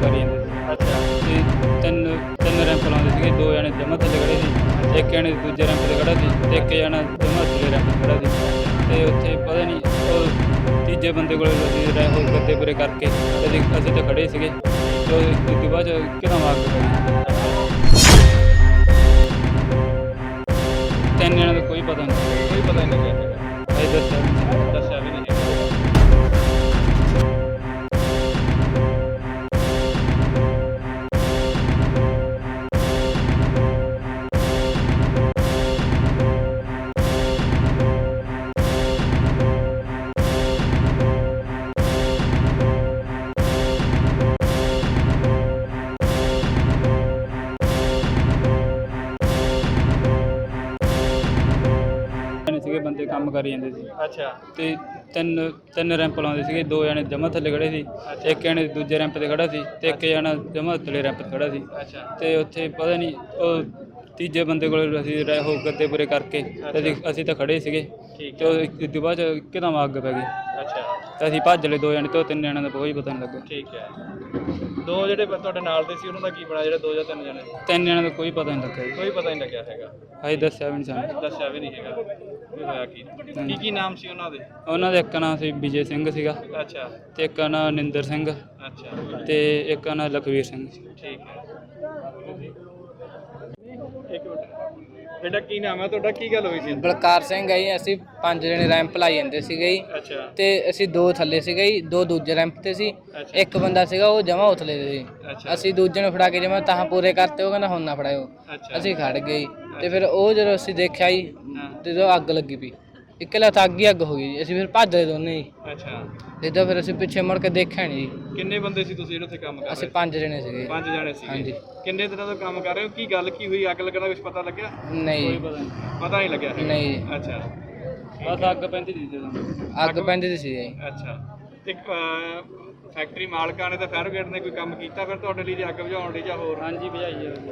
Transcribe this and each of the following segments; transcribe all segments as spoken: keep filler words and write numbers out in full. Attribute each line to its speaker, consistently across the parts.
Speaker 1: ਕਰੀ ਜਾਂਦੇ ਸੀ
Speaker 2: ਅੱਛਾ
Speaker 1: ਤੇ ਤਿੰਨ ਤਿੰਨ ਰੈਂਪ ਲਾਉਂਦੇ ਸੀਗੇ। ਦੋ ਜਣੇ ਜਮਾਂ ਥੱਲੇ ਖੜ੍ਹੇ ਸੀ, ਇੱਕ ਜਣੇ ਦੂਜੇ ਰੈਂਪ 'ਤੇ ਖੜ੍ਹਾ ਸੀ ਤੇ ਇੱਕ ਜਣਾ ਜਮਾਂ ਥੱਲੇ ਰੈਂਪ 'ਤੇ ਖੜ੍ਹਾ ਸੀ। ਤੇ ਉੱਥੇ ਪਤਾ ਨਹੀਂ ਉਹ ਤੀਜੇ ਬੰਦੇ ਕੋਲ ਅਸੀਂ ਰਹਿ ਹੋ ਗੱਦੇ ਪੂਰੇ ਕਰਕੇ ਅਸੀਂ ਅਸੀਂ ਤਾਂ ਖੜ੍ਹੇ ਸੀਗੇ ਤੇ ਉਸ ਤੋਂ ਬਾਅਦ 'ਚ ਇੱਕਦਮ ਅੱਗ ਪੈ ਗਈ। ਤਿੰਨ ਜਣਿਆਂ ਦਾ ਕੋਈ ਪਤਾ ਨਹੀਂ,
Speaker 2: ਕੋਈ ਪਤਾ ਨਹੀਂ ਲੱਗਿਆ ਹੈਗਾ,
Speaker 1: ਅਸੀਂ ਦੱਸਿਆ ਵੀ ਨਹੀਂ।
Speaker 2: ਦੱਸਿਆ ਵੀ ਨਹੀਂ ਹੈਗਾ।
Speaker 1: ਸੀਗੇ ਬੰਦੇ ਕੰਮ ਕਰੀ ਜਾਂਦੇ ਸੀ
Speaker 2: ਅੱਛਾ
Speaker 1: ਤੇ ਤਿੰਨ ਤਿੰਨ ਰੈਂਪ ਲਾਉਂਦੇ ਸੀਗੇ। ਦੋ ਜਣੇ ਜਮਾਂ ਥੱਲੇ ਖੜ੍ਹੇ ਸੀ, ਇੱਕ ਜਣੇ ਦੂਜੇ ਰੈਂਪ 'ਤੇ ਖੜ੍ਹਾ ਸੀ ਤੇ ਇੱਕ ਜਣਾ ਜਮਾਂ ਥੱਲੇ ਰੈਂਪ 'ਤੇ ਖੜ੍ਹਾ ਸੀ।
Speaker 2: ਅੱਛਾ
Speaker 1: ਤੇ ਉੱਥੇ ਪਤਾ ਨਹੀਂ ਉਹ ਤੀਜੇ ਬੰਦੇ ਕੋਲ ਅਸੀਂ ਰਹਿ ਹੋ ਗੱਦੇ ਪੂਰੇ ਕਰਕੇ ਤੇ ਅਸੀਂ ਅਸੀਂ ਤਾਂ ਖੜ੍ਹੇ ਸੀਗੇ
Speaker 2: ਠੀਕ
Speaker 1: ਤੇ ਉਸ ਤੋਂ ਬਾਅਦ 'ਚ ਇੱਕਦਮ ਅੱਗ ਪੈ ਗਈ
Speaker 2: ਅੱਛਾ
Speaker 1: ਤੇ ਅਸੀਂ ਭੱਜ ਲਏ। ਦੋ ਜਣੇ ਤੇ ਉਹ ਤਿੰਨ ਜਣਿਆਂ ਦਾ ਕੋਈ ਪਤਾ ਨਹੀਂ ਲੱਗਾ।
Speaker 2: ਠੀਕ ਹੈ। ਦੋ ਜਿਹੜੇ ਬ- ਤੁਹਾਡੇ ਨਾਲ ਦੇ ਸੀ ਉਹਨਾਂ ਦਾ ਕੀ ਬਣਿਆ, ਜਿਹੜੇ ਦੋ ਜਾਂ ਤਿੰਨ ਜਣੇ?
Speaker 1: ਤਿੰਨ ਜਣਿਆਂ ਦਾ ਕੋਈ ਪਤਾ ਨਹੀਂ ਲੱਗਾ ਜੀ,
Speaker 2: ਕੋਈ ਪਤਾ ਨਹੀਂ ਲੱਗਿਆ ਹੈਗਾ,
Speaker 1: ਅਸੀਂ ਦੱਸਿਆ ਵੀ ਨਹੀਂ ਸਾਨੂੰ।
Speaker 2: ਦੱਸਿਆ ਵੀ ਨਹੀਂ ਹੈਗਾ ਵੀ ਹੋਇਆ ਕੀ। ਕੀ ਕੀ ਨਾਮ ਸੀ ਉਹਨਾਂ ਦੇ?
Speaker 1: ਉਹਨਾਂ ਦਾ ਇੱਕ ਨਾਂ ਸੀ ਵਿਜੇ ਸਿੰਘ ਸੀਗਾ
Speaker 2: ਅੱਛਾ
Speaker 1: ਤੇ ਇੱਕ ਨਾਂ ਨਿੰਦਰ ਸਿੰਘ
Speaker 2: ਅੱਛਾ
Speaker 1: ਤੇ ਇੱਕ ਨਾਂ ਲਖਵੀਰ ਸਿੰਘ ਸੀ।
Speaker 2: ਠੀਕ ਹੈ। ਇੱਕ ਮਿੰਟ ਬੇਟਾ, ਕੀ ਨਾਮ ਹੈ ਤੁਹਾਡਾ, ਕੀ ਗੱਲ ਹੋਈ ਸੀ?
Speaker 3: ਬਲਕਾਰ ਸਿੰਘ ਹੈ ਜੀ। ਅਸੀਂ ਪੰਜ ਜਣੇ ਰੈਂਪ ਲਾਈ ਜਾਂਦੇ ਸੀਗੇ ਜੀ
Speaker 2: ਅੱਛਾ
Speaker 3: ਤੇ ਅਸੀਂ ਦੋ ਥੱਲੇ ਸੀਗੇ ਜੀ, ਦੋ ਦੂਜੇ ਰੈਂਪ ਤੇ ਸੀ,
Speaker 2: ਅੱਛਾ।
Speaker 3: ਇੱਕ ਬੰਦਾ ਸੀਗਾ ਉਹ ਜਮਾ ਉਥਲੇ ਤੇ ਸੀ।
Speaker 2: ਅੱਛਾ
Speaker 3: ਅਸੀਂ ਦੂਜੇ ਨੂੰ ਫੜਾ ਕੇ ਜਮਾ ਤਾਂ ਪੂਰੇ ਕਰਤੇ, ਉਹ ਕਹਿੰਦਾ ਹੁਣ ਨਾ ਫੜਾਇਓ।
Speaker 2: ਅੱਛਾ
Speaker 3: ਅਸੀਂ ਖੜ ਗਏ ਜੀ ਤੇ ਫਿਰ ਉਹ ਜਦੋਂ ਅਸੀਂ ਦੇਖਿਆ ਜੀ
Speaker 2: ਹਾਂ।
Speaker 3: ਤੇ ਜਦੋਂ ਅੱਗ ਲੱਗੀ ਪਈ, ਇਕੱਲਾ ਤਾਂ ਅੱਗ ਹੀ ਅੱਗ ਹੋ ਗਈ ਜੀ। ਅਸੀਂ ਫਿਰ ਭੱਜ ਲਏ ਦੋਨੇ ਜੀ,
Speaker 2: ਅੱਛਾ।
Speaker 3: ਜਿੱਦਾਂ ਫਿਰ ਅਸੀਂ ਪਿੱਛੇ ਮੁੜ ਕੇ ਦੇਖਿਆ ਨਹੀਂ ਜੀ।
Speaker 2: ਕਿੰਨੇ ਬੰਦੇ ਸੀ ਤੁਸੀਂ ਜਿਹੜੇ ਉੱਥੇ ਕੰਮ ਕਰ ਰਹੇ
Speaker 3: ਅਸੀਂ
Speaker 2: ਸੀ?
Speaker 3: ਪੰਜ ਜਣੇ ਸੀਗੇ।
Speaker 2: ਪੰਜ ਜਣੇ ਸੀ।
Speaker 3: ਹਾਂਜੀ।
Speaker 2: ਕਿੰਨੇ ਦਿਨਾਂ ਤੋਂ ਕੰਮ ਕਰ ਰਹੇ ਹੋ? ਕੀ ਗੱਲ ਕੀ ਹੋਈ? ਅੱਗ ਲੱਗਣ ਦਾ ਕੁਝ ਪਤਾ ਲੱਗਿਆ?
Speaker 3: ਨਹੀਂ
Speaker 1: ਕੋਈ
Speaker 3: ਜੀ,
Speaker 1: ਪਤਾ ਨਹੀਂ,
Speaker 2: ਪਤਾ ਨਹੀਂ ਲੱਗਿਆ ਹੈਗਾ?
Speaker 3: ਨਹੀਂ ਜੀ।
Speaker 2: ਅੱਛਾ
Speaker 1: ਬਸ ਅੱਗ ਪੈਂਦੀ ਸੀ ਜਦੋਂ।
Speaker 3: ਅੱਗ ਪੈਂਦੀ ਦੀ ਸੀ ਜੀ।
Speaker 2: ਅੱਛਾ। ਤੇ ਫੈਕਟਰੀ ਮਾਲਕਾਂ ਨੇ ਤਾਂ ਫਾਇਰ ਬ੍ਰਿਗੇਡ ਨੇ ਕੋਈ ਕੰਮ ਕੀਤਾ ਫਿਰ ਤੁਹਾਡੇ ਲਈ, ਜੇ ਅੱਗ ਬੁਝਾਉਣ ਲਈ ਜਾਂ ਹੋਰ?
Speaker 1: ਹਾਂਜੀ ਭਜਾਈ ਹੈ।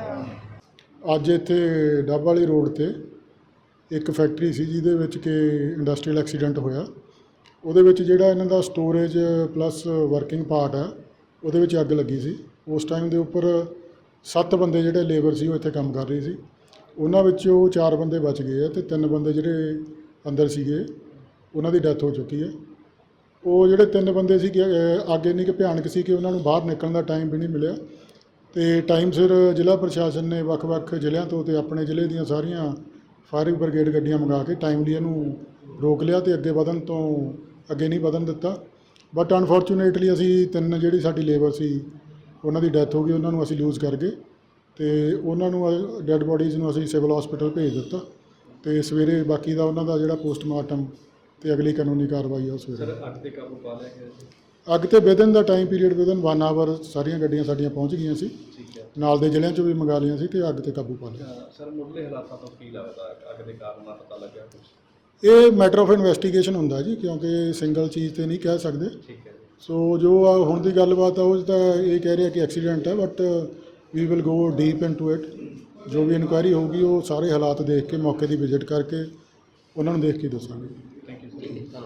Speaker 2: ਅੱਛਾ
Speaker 4: ਅੱਜ ਇੱਥੇ ਡੱਬ ਵਾਲੀ ਰੋਡ ਤੇ ਇੱਕ ਫੈਕਟਰੀ ਸੀ ਜਿਹਦੇ ਵਿੱਚ ਕਿ ਇੰਡਸਟਰੀਅਲ ਐਕਸੀਡੈਂਟ ਹੋਇਆ। ਉਹਦੇ ਵਿੱਚ ਜਿਹੜਾ ਇਹਨਾਂ ਦਾ ਸਟੋਰੇਜ ਪਲੱਸ ਵਰਕਿੰਗ ਪਾਰਟ ਹੈ ਉਹਦੇ ਵਿੱਚ ਅੱਗ ਲੱਗੀ ਸੀ। ਉਸ ਟਾਈਮ ਦੇ ਉੱਪਰ ਸੱਤ ਬੰਦੇ ਜਿਹੜੇ ਲੇਬਰ ਸੀ ਉਹ ਇੱਥੇ ਕੰਮ ਕਰ ਰਹੇ ਸੀ। ਉਹਨਾਂ ਵਿੱਚੋਂ ਚਾਰ ਬੰਦੇ ਬਚ ਗਏ ਆ ਤੇ ਤਿੰਨ ਬੰਦੇ ਜਿਹੜੇ ਅੰਦਰ ਸੀਗੇ ਉਹਨਾਂ ਦੀ ਡੈਥ ਹੋ ਚੁੱਕੀ ਹੈ। ਉਹ ਜਿਹੜੇ ਤਿੰਨ ਬੰਦੇ ਸੀ ਅੱਗ ਇੰਨੀ ਕੁ ਭਿਆਨਕ ਸੀ ਕਿ ਉਹਨਾਂ ਨੂੰ ਬਾਹਰ ਨਿਕਲਣ ਦਾ ਟਾਈਮ ਵੀ ਨਹੀਂ ਮਿਲਿਆ ਤੇ ਟਾਈਮ ਸਿਰ ਜ਼ਿਲ੍ਹਾ ਪ੍ਰਸ਼ਾਸਨ ਨੇ ਵੱਖ-ਵੱਖ ਜ਼ਿਲ੍ਹਿਆਂ ਤੋਂ ਤੇ ਆਪਣੇ ਜ਼ਿਲ੍ਹੇ ਦੀਆਂ ਸਾਰੀਆਂ ਫਾਇਰ ਬ੍ਰਿਗੇਡ ਗੱਡੀਆਂ ਮੰਗਾ ਕੇ ਟਾਈਮਲੀ ਇਹਨੂੰ ਰੋਕ ਲਿਆ ਤੇ ਅੱਗੇ ਵਧਣ ਤੋਂ ਅੱਗੇ ਨਹੀਂ ਵਧਣ ਦਿੱਤਾ। ਬਟ ਅਨਫੋਰਚੂਨੇਟਲੀ ਅਸੀਂ ਤਿੰਨ ਜਿਹੜੀ ਸਾਡੀ ਲੇਬਰ ਸੀ ਉਹਨਾਂ ਦੀ ਡੈਥ ਹੋ ਗਈ, ਉਹਨਾਂ ਨੂੰ ਅਸੀਂ ਲੂਜ਼ ਕਰ ਗਏ ਤੇ ਉਹਨਾਂ ਨੂੰ ਡੈੱਡ ਬੋਡੀਜ਼ ਨੂੰ ਅਸੀਂ ਸਿਵਲ ਹਸਪੀਟਲ ਭੇਜ ਦਿੱਤਾ ਤੇ ਸਵੇਰੇ ਬਾਕੀ ਦਾ ਉਹਨਾਂ ਦਾ ਜਿਹੜਾ ਪੋਸਟਮਾਰਟਮ ਤੇ ਅਗਲੀ ਕਾਨੂੰਨੀ ਕਾਰਵਾਈ ਆ ਉਹ ਸਵੇਰੇ।
Speaker 2: ਅੱਗ ਤੇ ਕਾਬੂ ਪਾ ਲਿਆ ਗਿਆ ਜੀ?
Speaker 4: ਅੱਗ ਤੇ ਵਿਦਨ ਦਾ time period within one hour ਸਾਰੀਆਂ ਗੱਡੀਆਂ ਸਾਡੀਆਂ ਪਹੁੰਚ ਗਈਆਂ ਸੀ।
Speaker 2: ਠੀਕ ਹੈ।
Speaker 4: ਨਾਲ ਦੇ ਜ਼ਿਲ੍ਹਿਆਂ 'ਚੋਂ ਵੀ ਮੰਗਾ ਲਈਆਂ ਸੀ ਤੇ ਅੱਗ ਤੇ ਕਾਬੂ ਪਾ ਲਿਆ।
Speaker 2: ਸਰ ਮੁੱਢਲੇ ਹਾਲਾਤਾਂ ਤੋਂ ਕੀ ਲੱਗਦਾ ਅੱਗ ਦੇ ਕਾਰਨ ਦਾ ਪਤਾ ਲੱਗਿਆ ਕੁਝ?
Speaker 4: ਇਹ ਮੈਟਰ ਆਫ ਇਨਵੈਸਟੀਗੇਸ਼ਨ ਹੁੰਦਾ ਜੀ, ਕਿਉਂਕਿ ਸਿੰਗਲ ਚੀਜ਼ ਤੇ ਨਹੀਂ ਕਹਿ ਸਕਦੇ।
Speaker 2: ਠੀਕ ਹੈ ਜੀ।
Speaker 4: ਸੋ ਜੋ ਆ ਹੁਣ ਦੀ ਗੱਲਬਾਤ ਆ ਉਹ 'ਚ ਤਾਂ ਇਹ ਕਹਿ ਰਿਹਾ ਕਿ ਐਕਸੀਡੈਂਟ ਹੈ, but we will go deep into it. ਜੋ ਵੀ ਇਨਕੁਆਇਰੀ ਹੋਊਗੀ ਉਹ ਸਾਰੇ ਹਾਲਾਤ ਦੇਖ ਕੇ ਮੌਕੇ ਦੀ ਵਿਜ਼ਿਟ ਕਰਕੇ ਉਹਨਾਂ ਨੂੰ ਦੇਖ ਕੇ ਦੱਸਾਂਗੇ।